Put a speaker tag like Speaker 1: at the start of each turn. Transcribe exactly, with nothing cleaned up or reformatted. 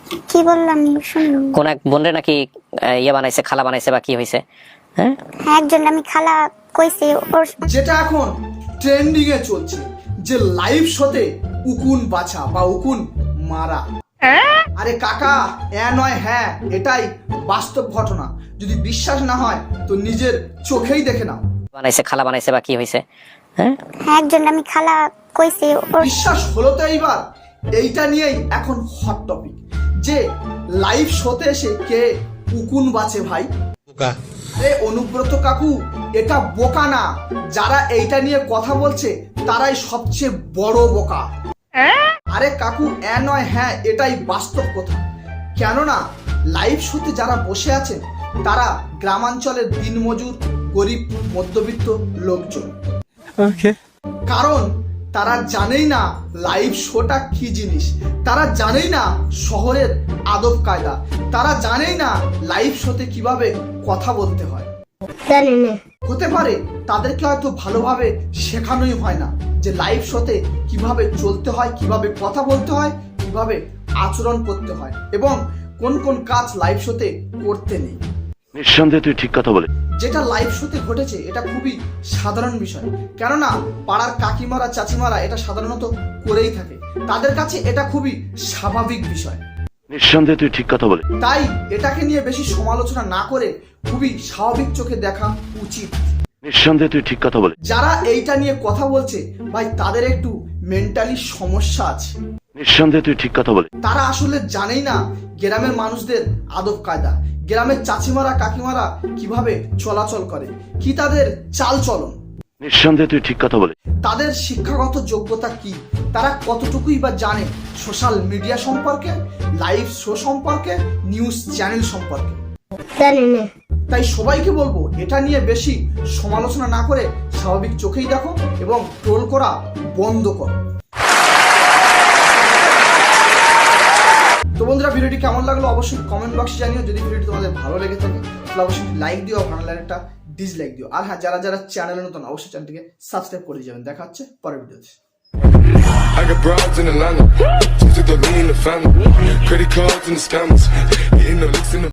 Speaker 1: কি বললাম শুনুন?
Speaker 2: কোন এক বোনরে নাকি ইয়ে বানাইছে, খালা বানাইছে বা কি হইছে? হ্যাঁ
Speaker 1: হ্যাঁ, একজন আমি খালা কইছি। ওর
Speaker 3: যেটা এখন ট্রেন্ডিং এ চলছে যে লাইভ শোতে উকুন বাছা বা উকুন মারা। আরে কাকা, এ নয় হ্যাঁ, এটাই বাস্তব ঘটনা। যদি বিশ্বাস না হয় তো নিজের চোখেই দেখে নাও।
Speaker 2: বানাইছে, খালা বানাইছে বা কি হইছে? হ্যাঁ
Speaker 1: হ্যাঁ, একজন আমি খালা কইছি। ওর
Speaker 3: বিশ্বাস হলো তো এইবার? এইটা নিয়েই এখন হট টপিক যে লাইভ শোতে এসে কে উকুন বাঁচে ভাই। এ অনুব্রত কাকু, এটা বোকা না, যারা এইটা নিয়ে কথা বলছে তারাই সবচেয়ে বড় বোকা। আরে কাকু, এ নয় হ্যাঁ, এটাই বাস্তব কথা। কেননা লাইভ শোতে যারা বসে আছেন তারা গ্রামাঞ্চলের দিনমজুর, গরিব, মধ্যবিত্ত লোকজন। কারণ তারা জানেই না লাইভ শোটা কি জিনিস, তারা জানেই না শহরের আদব কায়দা, তারা জানেই না লাইভ শোতে কিভাবে কথা বলতে হয়। হতে পারে তাদেরকে হয়তো ভালোভাবে শেখানোই হয় না যে লাইভ শোতে কিভাবে চলতে হয়, কিভাবে কথা বলতে হয়, কিভাবে আচরণ করতে হয় এবং কোন কোন কাজ লাইভ শোতে করতে নেই।
Speaker 4: নিঃসন্দেহে তুই ঠিক কথা বলে।
Speaker 3: যেটা লাইভ শোতে ঘটেছে এটা খুবই সাধারণ বিষয়, কেননা পাড়ার কাকিমারা, চাচিমারা এটা সাধারণত করেই থাকে, তাদের কাছে এটা খুবই স্বাভাবিক বিষয়।
Speaker 4: নিঃসন্দেহে তুই ঠিক কথা বলে।
Speaker 3: তাই এটাকে নিয়ে বেশি সমালোচনা না করে খুবই স্বাভাবিক চোখে দেখা উচিত।
Speaker 4: নিঃসন্দেহে তুই ঠিক কথা বলে।
Speaker 3: যারা এইটা নিয়ে কথা বলছে ভাই, তাদের একটু মেন্টালি সমস্যা আছে।
Speaker 4: নিঃসন্দেহে তুই ঠিক কথা বলে।
Speaker 3: তারা আসলে জানেই না গ্রামের মানুষদের আদব কায়দা, গ্রামের চাচিমারা, কাকিমারা কিভাবে চলাচল করে, কি তাদের চাল চলন।
Speaker 4: নিঃসন্দেহে তুই ঠিক কথা বলে।
Speaker 3: তাদের শিক্ষাগত যোগ্যতা কি, তারা কতটুকুই বা জানে সোশ্যাল মিডিয়া সম্পর্কে, লাইভ শো সম্পর্কে, নিউজ চ্যানেল সম্পর্কে। তাই সবাইকে বলবো এটা নিয়ে বেশি সমালোচনা না করে স্বাভাবিক চোখেই দেখো এবং ট্রোল করা বন্ধ করো। তো বন্ধুরা, ভিডিওটি কেমন লাগলো অবশ্যই কমেন্ট বক্সে জানিও। যদি ভিডিওটি তোমাদের ভালো লেগে থাকে তাহলে অবশ্যই লাইক দিও, ভালো লাগলে একটা ডিসলাইক দিও। আর হ্যাঁ, যারা যারা চ্যানেলে নতুন অবশ্যই চ্যানেলটিকে সাবস্ক্রাইব করে যাবেন। দেখা হচ্ছে পরের ভিডিওতে।
Speaker 5: I got broads in Atlanta, just to throw me in the family. Credit cards and the scammers, hitting the licks in the